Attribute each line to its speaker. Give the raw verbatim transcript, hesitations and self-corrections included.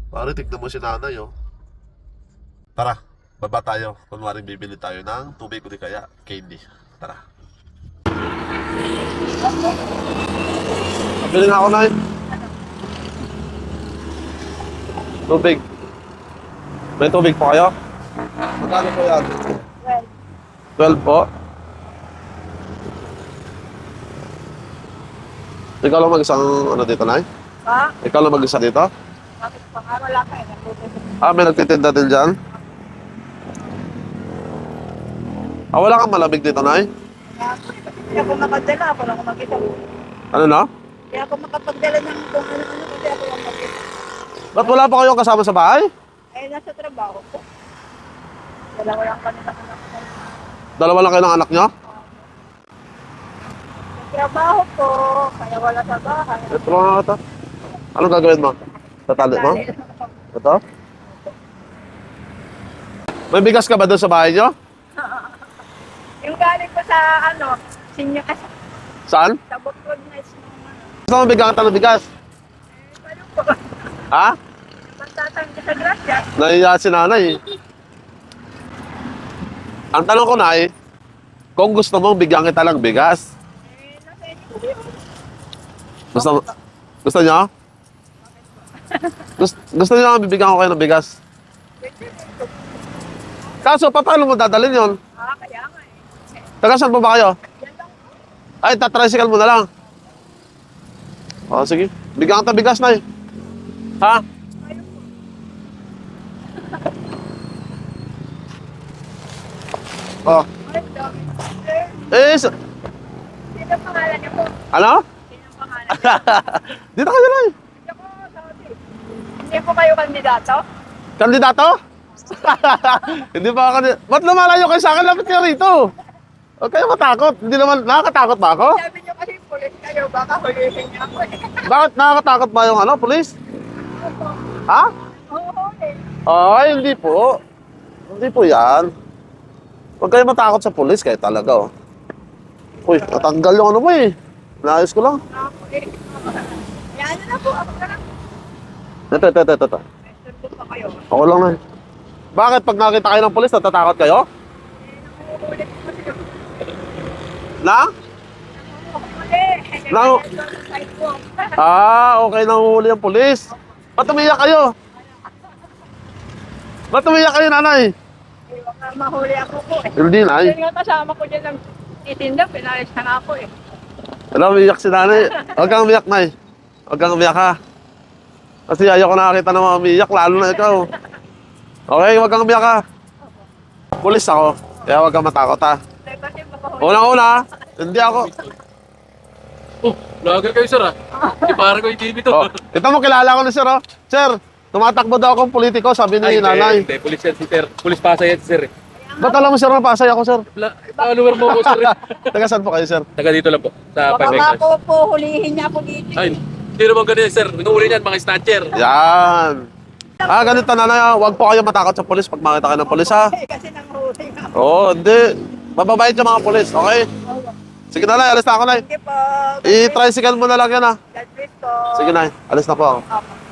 Speaker 1: Pare, tignan mo si nanay, oh. Tara, baba tayo. Kunwari bibili tayo ng tubig o di kaya candy. Tara. Bili na ako, nay. Tubig. May tubig po kayo? Magkano po yan?
Speaker 2: Well,
Speaker 1: twelve po. Ikaw lang mag-isang ano dito, nay?
Speaker 2: ha?
Speaker 1: Ikaw lang mag-isa dito?
Speaker 2: Bakit pa nga wala ka eh? Nagpupunta.
Speaker 1: Ah, may nagtitinda din dyan? Ah, wala kang malamig dito, nay?
Speaker 2: Kaya ako, eh, kasi hindi ako makadala. Ako lang mag-isa.
Speaker 1: Ano na?
Speaker 2: Kaya ako makapagdala ng kung ano-ano kasi ako lang mag-isa.
Speaker 1: Ba't wala pa kayong kasama sa bahay?
Speaker 2: Ay, nasa trabaho ko. Wala walang kanila anak ko.
Speaker 1: Dalawa lang kayo ng anak nyo?
Speaker 2: Sa trabaho ko, kaya wala sa bahay.
Speaker 1: Ito lang ito. Anong gagawin mo? Tatali mo?
Speaker 2: Dali lang ako.
Speaker 1: Ito? May bigas ka ba doon sa bahay nyo?
Speaker 2: Yung galing ko sa ano, senior kasi
Speaker 1: Saan?
Speaker 2: sa Bukod Nights ng ano.
Speaker 1: Gusto mo bigyan ka ng bigas?
Speaker 2: Eh, paano po?
Speaker 1: Ha?
Speaker 2: Magtatang ka sa grasya.
Speaker 1: Nahiya si nanay. Ang tanong ko, nay, kung gusto mong bigyan kita ng bigas,
Speaker 2: Eh, nasa inyo po yun.
Speaker 1: gusto, gusto nyo? Gusto, gusto nyo nga bibigyan ko kayo ng bigas?
Speaker 2: Pwede rin.
Speaker 1: Kaso, pa, paano mo dadalhin yon?
Speaker 2: Ah, kaya nga eh.
Speaker 1: Taga saan po ba kayo?
Speaker 2: Yan lang po.
Speaker 1: Ay, tatricycle mo na lang. O, sige. Bigyan kita bigas, nay. Ha?
Speaker 2: Ayun po.
Speaker 1: O.
Speaker 2: Ay, dami. Sir,
Speaker 1: Eh, sa-
Speaker 2: sino pangalan niyo po?
Speaker 1: ano?
Speaker 2: Sino pangalan niyo?
Speaker 1: Dito kayo, nay.
Speaker 2: Hindi ko sabi. Hindi po kayo kandidato?
Speaker 1: Kandidato? Hindi pa ako kandidato. Ba't lumalayo kayo sa akin? Lapit kayo rito. Huwag kayo matakot. Hindi naman, nakakatakot ba ako?
Speaker 2: Sabi niyo kasi pulis kayo, baka hulihin niyo ako eh.
Speaker 1: Bakit nakakatakot ba yung ano, police? Ha?
Speaker 2: Oo, eh.
Speaker 1: Ay, hindi po. Hindi po yan. Huwag kayo matakot sa police kayo talaga, oh. Uy, natanggal yung ano mo eh. Naayos ko lang.
Speaker 2: Ako eh. Yan na po, ako na lang.
Speaker 1: Ito, ito, ito, ito. ito.
Speaker 2: Question po pa kayo.
Speaker 1: Ako lang na. Bakit pag nakita kayo ng police, natatakot kayo?
Speaker 2: Eh, nanguhuli po kasi yun.
Speaker 1: Na?
Speaker 2: Nanguhuli.
Speaker 1: Nangu-
Speaker 2: Sidewalk.
Speaker 1: Ah, okay, nanguhuli ang police. Ba't umiyak kayo? Ba't umiyak kayo, nanay?
Speaker 2: Eh, baka mahuli ako po eh.
Speaker 1: Hindi, nay.
Speaker 2: Yun nga kasama ko dyan ng titinda, pinalis na nga ako eh.
Speaker 1: Alam, umiyak si nanay. Huwag kang umiyak, nay. Huwag kang umiyak, ha. Kasi ayoko nakakita ng mga umiyak, lalo na ikaw. Okay, huwag kang umiyak, ha. Pulis ako, kaya huwag kang matakot, ha.
Speaker 2: Eh, kasi makahuli.
Speaker 1: Unang-una, hindi ako.
Speaker 3: Oh, vlogger kayo sir ah. Di parang ko yung T V to.
Speaker 1: Oh, ito mo, kilala ko ni sir, oh. Sir, tumatakbo daw akong politiko, sabi ni
Speaker 3: Ay, hindi,
Speaker 1: nanay.
Speaker 3: Hindi, pulis yan si sir. Pulis Pasay yan si sir eh.
Speaker 1: Ba't alam mo, sir, na pasay ako, sir?
Speaker 3: Wala, follower mo ko sir eh.
Speaker 1: Taga saan po kayo, sir?
Speaker 3: Taga dito lang po, sa
Speaker 2: Baka
Speaker 3: Five
Speaker 2: nga
Speaker 3: Acres.
Speaker 2: po po hulihin niya ako dito.
Speaker 3: Ay, hindi naman ganyan sir. Inuuli niyan mga snatcher.
Speaker 1: Yan. Ah, ganito, nanay, ha. Huwag po kayo matakot sa polis pag makita kayo ng polis, ha.
Speaker 2: Eh, kasi nanghuli nga.
Speaker 1: Oo, hindi. Mababait yung mga polis, okay? Sige, nanay, alis na ako, nay.
Speaker 2: Sige po.
Speaker 1: I-tricycle mo na lang yan, ha.
Speaker 2: God bless po.
Speaker 1: Sige, nay, alis na po ako.
Speaker 2: Opo.